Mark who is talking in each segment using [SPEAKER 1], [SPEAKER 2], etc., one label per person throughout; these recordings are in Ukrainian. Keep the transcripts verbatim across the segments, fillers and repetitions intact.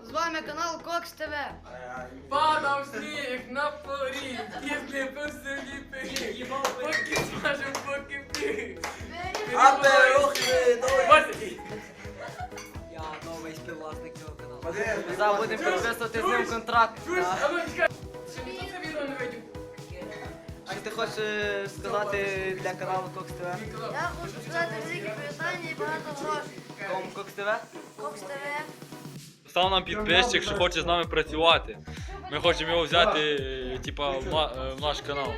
[SPEAKER 1] З вами канал Кокс ТВ.
[SPEAKER 2] Падав сніг на поріг, кізли по селі пиріг, поки смажем, поки пиріг.
[SPEAKER 3] А перухи,
[SPEAKER 4] Я новий співвласник цього каналу.
[SPEAKER 3] Ми
[SPEAKER 4] Зараз будемо підписувати з ним контракт.
[SPEAKER 2] Чуєш, а ну чекай, ще ніхто це відео не видів.
[SPEAKER 4] Що ти хочеш сказати для каналу Кокс ТВ?
[SPEAKER 1] Я хочу сказати велике привітання і багато грошей.
[SPEAKER 4] Кому Кокс ТВ?
[SPEAKER 1] Кокс ТВ.
[SPEAKER 5] Став нам підписчик, що хоче з нами працювати. Ми хочемо його взяти е, типа, в, на- е, в наш канал.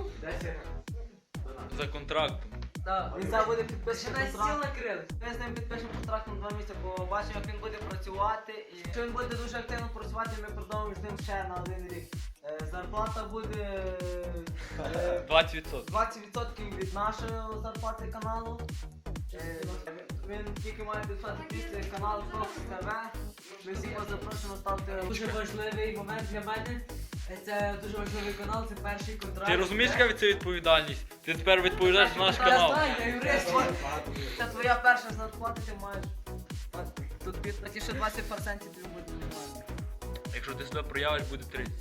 [SPEAKER 5] За контрактом.
[SPEAKER 4] Так, він зараз буде підписаний контракт. Ми з ним підпишемо контракт на два місяці, бо бачимо, як він буде працювати. І якщо він буде дуже активно працювати, ми продовжимо з ним ще на один рік. Е, Зарплата буде е,
[SPEAKER 5] двадцять відсотків.
[SPEAKER 4] двадцять відсотків від нашої зарплати каналу. Е, Він тільки має підписати після каналу Кокс ТВ. Ми всіх вас запрошуємо ставити.
[SPEAKER 6] Дуже важливий момент для мене. Це дуже важливий канал, це перший контракт.
[SPEAKER 5] Ти розумієш, яка це відповідальність? Ти тепер відповідаєш за наш канал.
[SPEAKER 6] Я знаю, я юрист.
[SPEAKER 4] Це твоя перша зарплата, ти маєш. Тут під такі ще двадцять відсотків тобі буде нормально.
[SPEAKER 5] Якщо ти себе проявиш, буде тридцять.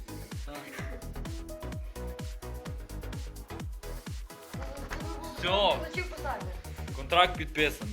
[SPEAKER 5] Все,
[SPEAKER 1] Значок поставте.
[SPEAKER 5] контракт підписаний.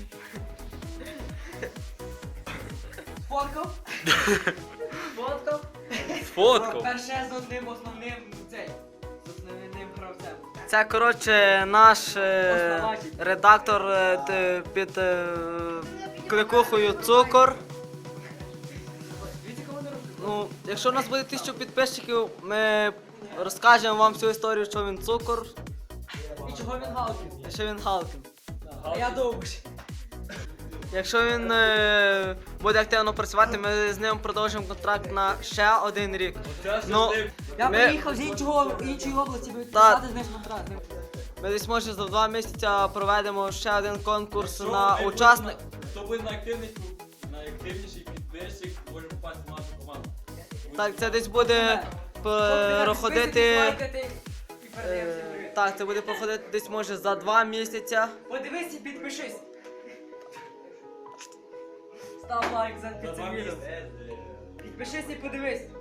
[SPEAKER 6] Фоткав.
[SPEAKER 4] Фотка?
[SPEAKER 5] Сфоткав.
[SPEAKER 6] Перше з одним основним цей. З основним гравцем.
[SPEAKER 4] Це, коротше, наш е,
[SPEAKER 6] Основатель.
[SPEAKER 4] редактор е, т- під е, кликухою Цукор.
[SPEAKER 6] Дивіться, кого не робить.
[SPEAKER 4] Ну, якщо у нас буде тисячу підписчиків, ми розкажемо вам всю історію, що він цукор
[SPEAKER 6] І чого він галкін?
[SPEAKER 4] і що він Халкін.
[SPEAKER 6] А я довбуш.
[SPEAKER 4] Якщо він е, буде активно працювати, ми з ним продовжимо контракт на ще один рік. Ну,
[SPEAKER 6] Я
[SPEAKER 4] Ми-
[SPEAKER 6] приїхав з іншого, іншої області, би
[SPEAKER 4] Та-
[SPEAKER 6] підписати з ним контракт.
[SPEAKER 4] ми десь може за два місяці проведемо ще один конкурс на учасник.
[SPEAKER 7] Хто буде найактивніший, найактивніший підписчик, може попасти в нашу команду.
[SPEAKER 4] Так, це десь буде проходити. Е, так, це буде проходити десь може за два місяці.
[SPEAKER 6] Подивись і підпишись. Став лайк за
[SPEAKER 7] За
[SPEAKER 6] під
[SPEAKER 7] два
[SPEAKER 6] цим відео.
[SPEAKER 7] місяці.
[SPEAKER 6] Підпишись і подивись.